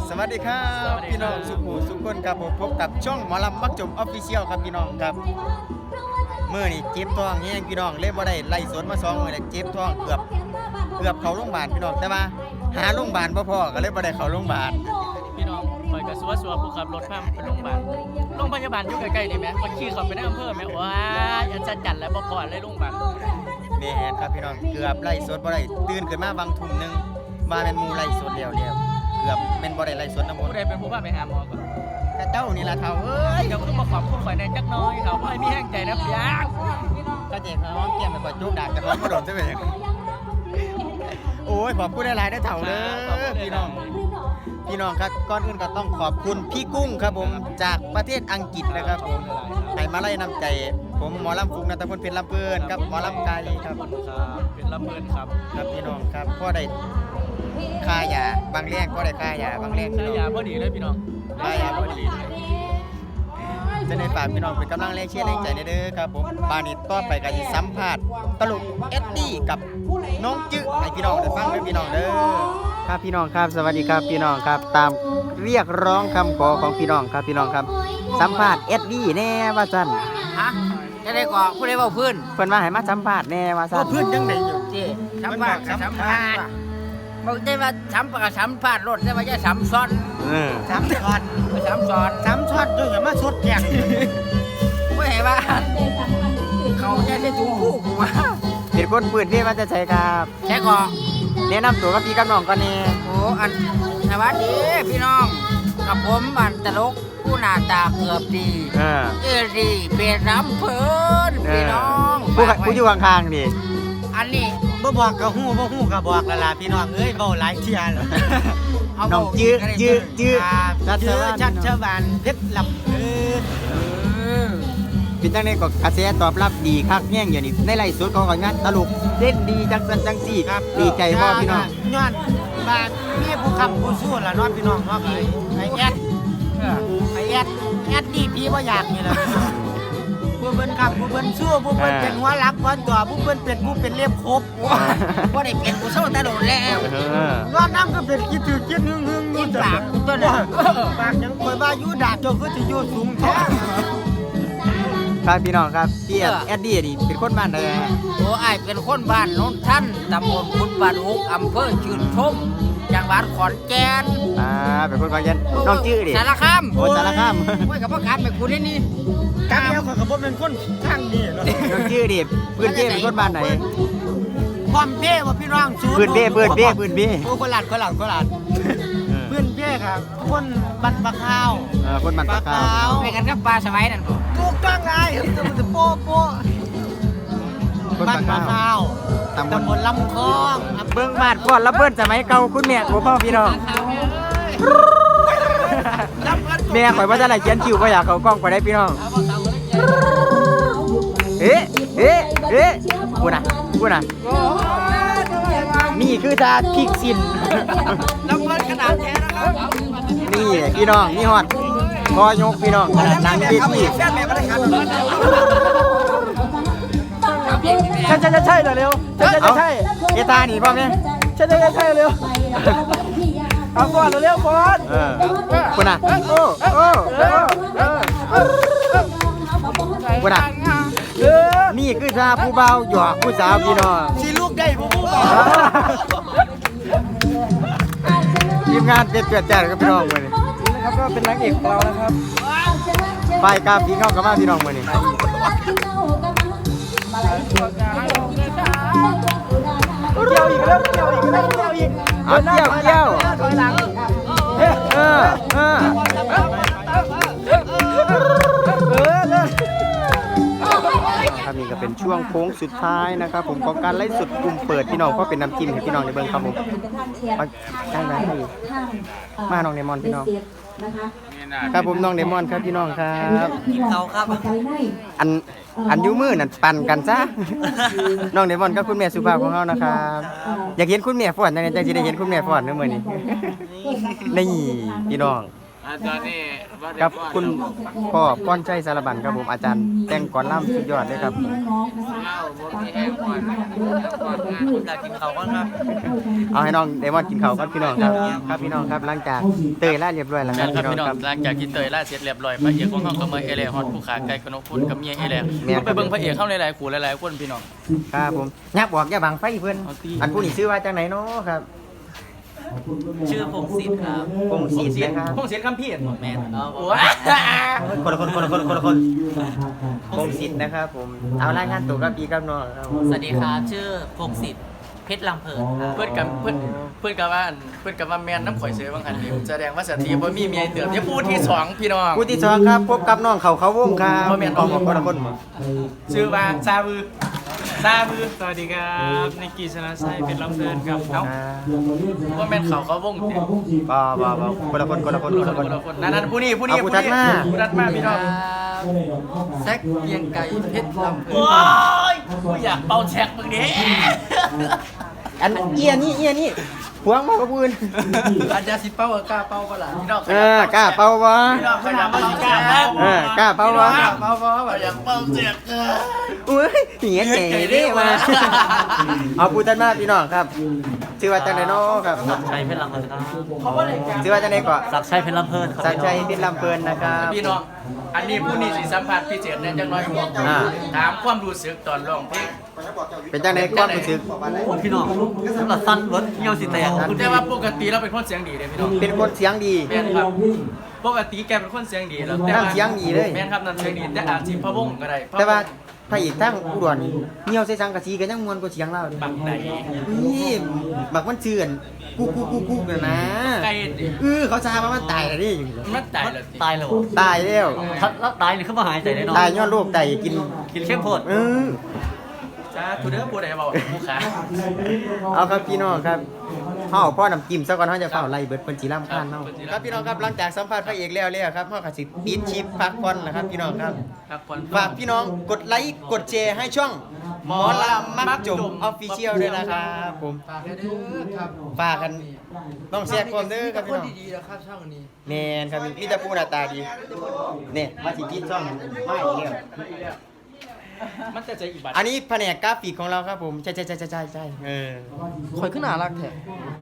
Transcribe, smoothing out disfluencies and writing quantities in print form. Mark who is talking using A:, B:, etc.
A: สวัสดีครับพี่น้องสุขุสุขคนครับผมพบกับช่องหมอลำมักจมออฟฟิเชียลครับพี่น้องครับเมื่อนี่เจ็บท้องแห้งพี่น้องเลยบ่ได้ไล่สวนมา2 มื้อแล้วเจ็บท้องเกือบเข้าโรงพยาบาลพี่น้องแต่ว่าหาโรงพยาบาลบ่พอก็เลยบ่ได้เข้าโรงพยาบาล
B: พี่น้องคอยกระซัวผู้ขับรถพาไปโรงพยาบาลอยู่ใกล้ๆนี่แหมคนขี่เขาไปในอำเภอแหมว้าอันจัดแล้วบ่พอเลยโรงพยาบาล
A: แม่นครับพี่น้องเกือบไล่สดบ่ได้ตื่นขึ้นมาบางทุ่มนึงมาเป็นหมู่ไล่สดแล้วเกือบเป็นบ่ได้ไล่สดน้ำมน
B: ผู้
A: ต์
B: ใดเป็นผู้พาไปหาหมอก่อน
A: แต่เจ้านี่ล่ะเฒ่าเอ้ย
B: เดี๋ยวคือมาขอบคุณข่อยในจักน้อยเขาให้มีแห้งใจนะพี่ยักษ์
A: ก็เจ็บหอมเกี่ยมไปกว่าจุกดากจะพร้อมบ่โดนซะเป็นโอ้ยขอบคุณหลายๆได้อเฒ่าเด้อพี่น้องครับก่อนอื่นก็ต้องขอบคุณพี่กุ้งครับผมจากประเทศอังกฤษนะครับผมให้มาไล่น้ำใจผมหมอลำฟุกนัตพลเพชรลำเพื่อนครับหมอลำไก่ครับ
B: ครับเป็นลำเบินครับ
A: ครับพี่น้องครับพ่อได้ค่ายาบางแรกก็ได้ค่ายาบางแรก
B: ใช้ยาพอดีเลยพี่น้อง
A: ค่ายาพอดีจะในฝากพี่น้องเป็นกำลังแรงเชียร์แรงใจเด้อครับผมบานิดต่อไปก็จะสัมภาษณ์ตลกเอ็ดดี้กับน้องจื้อให้พี่น้องได้ฟังด้วยพี่น้องเด้อครับพี่น้องครับสวัสดีครับพี่น้องครับตามเรียกร้องคำขอของพี่น้องครับพี่น้องครับสัมภาษณ์เอ็ดดี้แน่ว่าซั่น
C: ฮะจะได้ก่อผู้ใดเว้าพื้น
A: เพิ่นว่าให้มาสัมภาษณ์แน่ว่าซั่น
C: พื้นจังได๋อยู่ติสัมภาษณ์สัมภาษณ์บ่ได้ว่าสัมภาษณ์รถแต่ว่าจะสัมซ้อน
A: สัมภาษณ์
C: สัมซ้อน
A: สัมภาษณ์ด้วยอย่ามาสดแจก
C: บ่ให้ว่าเขาจะได้ถูกคู่กูว่า
A: เป็นคนปืนที่มาจะใช้ครับ
C: แต่ก็
A: แนะนำตัวกับพี่กับน้องก่อนแน่
C: โอ้อันสวัสดีพี่น้องกับผมบันตลกผู้หน้าตาเกือบดีเอรีเป็นน้ำเพิ่นพี่น้อง
A: ผู้อยู่ข้างๆดิ
C: อันนี้
A: บ่บอกก็ฮู้บ่ฮู้ก็บอกแล้วล่ะพี่น้องเอ้ยเว้าหลายเที่ยแล้ว
C: เอา
A: น้องจื้อชัดชวานเพชรลำเป็นจังได๋ก็กระแสตอบรับดีคักแย่งอยู่นี่ในไลฟ์สดเขาก็งานตลกเล่นดีจังซั่นจังซี่ครับดีใจบ่พี่น้องย้อนบาดมีผู้ค้ำผู้สู้ล่ะเนาะพี่น้องเนาะไอ้แอดแอดดีพี่บ่อยากนี่ล่ะผู้เพิ่นค้ำผู้เพิ่นสู้ผู้เพิ่นเป็นหัวหลักหัวตัวผู้เพิ่นเป็นผู้เป็นเล็บครบ
C: บ่ได้เป็นกูเศร้าแต่โดนแล้ว
A: ย้อนน้ำก็เป็นคิดถือคิดหึงอยู่
C: ปากกูตัวน่ะ
A: ปากยังคอยว่าอยู่ดาดเจ้าคือสิอยู่สูงแท้ครับพี่น้องครับพี่แอดดี้นี่เป็นคนบ้านใด
C: โอ้อ้ายเป็นคนบ้านโนนท่านตำบลกุดบานหุกอำเภอชื่นชมจังหวัดขอนแก่น
A: เป็นคนบางยันน้องจื้อดิ
C: สารคาม
A: โอ้สารคาม
C: โอ้ยกับพ่อการไปกูได้นี่
A: กามแล้วข้อยก็บ่เป็นคนข้างนี้เนาะน้องจื้อดิพื้นเป้เป็นคนบ้านไหน
C: ความเป้ว่าพี่น้องสู
A: พื้นเป้
C: โอ้คนหลัด
A: พื้นเป้ครับคนบ้านปะขาวคนบ้านปะขาว
C: ไปกันกับปลาสมัยนั่นบ่
A: ถูกต้องไงจะโป๊ะบ้านปะขาวตำบลลำคองเบิ่งบ้านก่อนแล้วเพิ่นสมัยเก่าคุณแม่โอ้พ่อพี่น้องแม่ข่อยว่าจะไหนเขียนคิวบ่อยากเข้ากล้องไปได้พี่น้องเอ๊ะพูดนะนี่คือชาพริกสิน
C: ลำเพิ่นขนาดแท้นะครับ
A: นี่พี่น้องนี่ฮอดพอยกพี่น้องขนาดนั่งเวทีใช่เร็วใช่เอตาหนีพ่อแม่ใช่เร็วเอาก่อนเร็วก่อนคุณน่ะคุณน่ะนี่คือชาผู้เบาหยอกผู้สาวพี่น้องสิลูกได้ผู้เบาทีมงานเด็ดเกิดแจ๋วกับพี่น้องมื้อนี้นะครับก็เป็นนางเอกของเรานะครับไปกับพี่น้องกับมาพี่น้องมื้อนี้เกี่ยวอีกแล้วเอาเกี่ยวถอยหลังครับนี่ก็เป็นช่วงโค้งสุดท้ายนะครับผมของการไลฟ์สดกลุ่มเปิดพี่น้องก็เป็นน้ำจิ้มให้พี่น้องในเบิ้งครับผมได้ไหมมาน้องเดมอนพี่น้องครับผมน้องเดมอนครับพี่น้องครับ
C: เขาครับ
A: อันยูมือนั่นปั่นกันซะน้องเดมอนกับคุณแม่สุภาพของเรานะครับอยากเห็นคุณแม่ฟ้อนจังได๋จังสิได้เห็นคุณแม่ฟ้อนเด้อมื้อนี้นี่พี่น้อง
C: ตอนนี้ว่า
A: ครับคุณพ่อป้อนใจสารบัญครับผมอาจารย์แต่งก่อนล่ำสุดยอดเลยครับ
C: เล่าผมมีแห้งก่อนผมอยากกินข้าวก่อนครับ
A: เอาให้น้องเดมอนกินข้าวครับพี่น้องครับครับพี่น้องครับหลังจากเตยล่าเรียบร้อยแล้วค
B: นั่
A: รับ
B: นครับ
A: พี่
B: พี่
A: น้
B: น้
A: อ
B: อง ง
A: ครับ
B: หลังจากที่เตยล่าเสร็จเรียบร้อยพระเอกของเขาก็มาเอเลฮอดผู้ขาไก่กนกพุนกับเมียเอเลไปเบิ่งพระเอกเข้าหลายๆคู่หลายๆคนพี่น้อง
A: ครับผมยักบอกอย่าบังไฟเพื่อน
B: เอาตี
A: อันผู้นี้ชื่อว่าจังไหนเนาะครับ
C: ชื่อพงศิษฐ์ครับ
A: พงศิษฐ์นะครับ
B: พงศิษฐ์คำพี่
C: แม่นเอา
B: โอ้ย
A: คนละคนพงศิษฐ์นะครับผมเอารายงานตัวกับพี่กับน้องครับ
C: สวัสดีครับชื่อพงศิษฐ์เพชรลำเพินครับ
B: เพื่อนกับว่าแมนน้ำข่อยเสือบางคันนี่แสดงว่าสถีบ่มีเมียเติบจะพูดที่สองพี่น้อง
A: ผู้ที่สองครับพบกับน้องเขาวงครับ
B: บ่แม่น
A: ออกคนละคน
B: ชื่อว่าซาบือ
D: สวัสดีครับนิกกี้ชนะชัยเป็นลำเพลินครับ
B: เอ้าว่าแม่นเขาวงเต็ม
A: บ่คนละคน
B: นั่นผู้นี้
A: เอาผู้ทัดมา
B: ผู้ทัดมาพี่น้อง
C: แซกเกียงไก่เพชรลำเพิน
B: โอ้ยกูอยากเป่าแช็กมึงดิ
A: อันเอียนี่พวงมากกว่าปืน
C: อาจารย์สิเป้ากล้าเป้าเปล่า
B: พี่น้อง
A: กล้าเป่าบ่
B: พี่น้องขยับมาสิกล้าเป่าก
A: ล้าเป่าบ่
C: เป้าแบบ
B: อยากเป่าแช็ก
A: อุ้ยเหี้ยเจ๋เด้มาเอาผู้ทัดมาพี่น้องครับชื่อว่าจังไหนเนาะครับ
C: ชัยเพชรลำเพินครับ
A: ชื่อว่าจังไหนก่อน
C: ศักดิ์ชัยเพชรลำเพินครับ
A: สัญชัยพิษลำเพลินนะครับ
B: พี่น้องอันนี้ผู้นี้สิสัมผัสพิเศษแน่จังน้อยผมถามความรู้สึกตอนร้องเพลง
A: เป็นจังไหนความรู้สึก
C: พี่น้องสำหรับสั้นรถเงี้ยวสิแตก
B: แต่ว่าปกติเราเป็นคนเสียงดีเลยพี่น้อง
A: เป็นคนเสียงดี
B: แม่นครับปกติแกเป็นคนเสียงดีแล้วแต่
A: น้ำเสียงดีเลย
B: แม่นครับน้ำเสียงดีแต่อาจสิพะวงก็ได้
A: แต่ว่าพระเอกทั้งอุดรนี่เหี่ยวใส่สังกะสีก็ยังมวนกว่าเสียงเราเด้
B: บักไหน
A: นี่บักมันเชื่อนกูน่ะนะ
B: ไก่ดิ
A: เขาซาว่ามันตายแล้วนี่
B: มันตายแล้วติ
C: ตายแล้ว
A: ตายแล้ว
C: แล้วตายหรือขึ้นมาหายใจได้นอน
A: ตายย้อนโรคไตกิน
C: กินเข้มโพด
B: จ้าทูเด้อผู้ใดเว้าผู้ขา
A: เอาครับพี่น้องครับเฮาพ่อน้ำจิ้มซะก่อนเฮาจะเฝ้าไล่เบิดเพิ่นสิรำคาญเฮาครับพี่น้องครับหลังจากสัมภาษณ์พระเอกแล้วครับเฮาก็สิปิดคลิปพักผ่อนนะครับพี่น้องครับ
B: ครับคน
A: ฝากพี่น้องกดไลค์กดแชร์ให้ช่องหมอลำมักจมออฟฟิเชียลด้วยนะครับผมฝากกันต้องแชร์ความเด้อครับพี่น้อง
C: ดีๆนะครับช่องนี้
A: แม่นครับมีแต่ผู้หน้าตาดีนี่มาสิปิดช่องไม่เรื่อง
B: มันจะใจอีกบัด
A: อันนี้แผนกกราฟิกของเราครับผมใช่
C: คอยขึ้นหนารักแท้